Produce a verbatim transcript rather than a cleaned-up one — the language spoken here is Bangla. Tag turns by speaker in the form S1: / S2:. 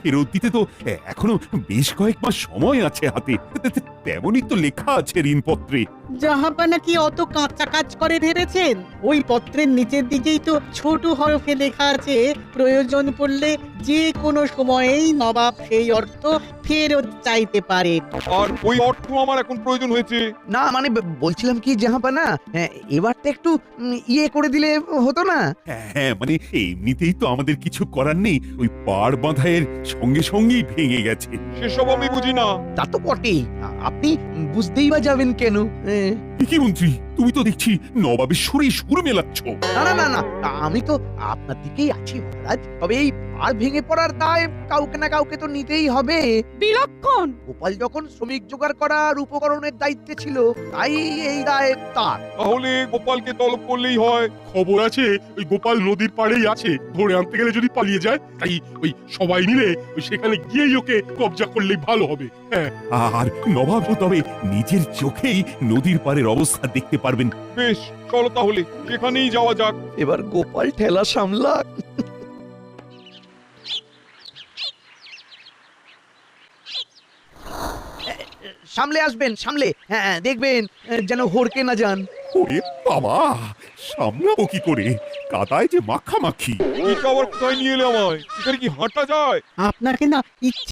S1: ফেরত দিতে তো এখনো বেশ কয়েক মাস সময় আছে হাতে। তেমনই তো লেখা আছে ঋণপত্রে।
S2: জাহাপানা কি অত কাঁচা কাজ করে ভেবেছেন? ওই পত্রের নিচের দিকেই তো ছোট হরফে লেখা আছে, প্রয়োজন পড়লে যে কোনো সময়েই নবাব সেই অর্থ ফেরত চাইতে পারে।
S3: আর ওই অর্থ আমার এখন প্রয়োজন হয়েছে।
S4: না মানে ব- বলছিলাম কি জাহাপানা, হ্যাঁ, এবারটা একটু উম, ইয়ে করে দিলে হতো না?
S1: হ্যাঁ মানে এমনিতেই তো আমাদের কিছু করার নেই, ওই পাড় বাঁধাইয়ের সঙ্গে সঙ্গেই ভেঙে গেছে।
S3: সেসব আমি বুঝি না।
S4: তা তো বটেই, আ- আপনি বুঝতেই বা যাবেন কেন? হ্যাঁ।
S1: কি মন্ত্রী, তুমি তো দেখছি নবাবের সুরে সুর মেলাচ্ছ।
S4: না না না না, আমি তো আপনার দিকেই আছি মহারাজ। তবে এই আর ভেঙে পড়ার দায় কাউকে না কাউকে তো নিতেই হবে।
S5: বিলক্ষণ।
S4: গোপাল যখন শ্রমিক জোগাড় করার উপকরণের দায়িত্বে ছিল, তাই এই দায় তার।
S3: তাহলে গোপালকে তলব করলেই হয়।
S6: খবর আছে ওই গোপাল নদীর পাড়েই আছে, ধরে আনতে গেলে যদি পালিয়ে যায়, তাই ওই সবাই মিলে ওই সেখানে গিয়েই ওকে কবজা করলেই ভালো হবে। হ্যাঁ,
S1: আর নবাব তবে নিজের চোখেই নদীর পাড়ের অবস্থা দেখতে পারবেন।
S3: বেশ, চলো তাহলে সেখানেই যাওয়া যাক।
S4: এবার গোপাল ঠেলা সামলা। সামলে আসবেন, সামলে। হ্যাঁ, দেখবেন যেন হড়কে না যান।
S1: ওরে বাবা, সামলাবো কি করে, কাদায় যে মাখামাখি।
S3: এই আবার কোথায় নিয়ে এলে আমায়? এখানে কি হাঁটা যায়?
S2: আপনাকে না ইচ্ছে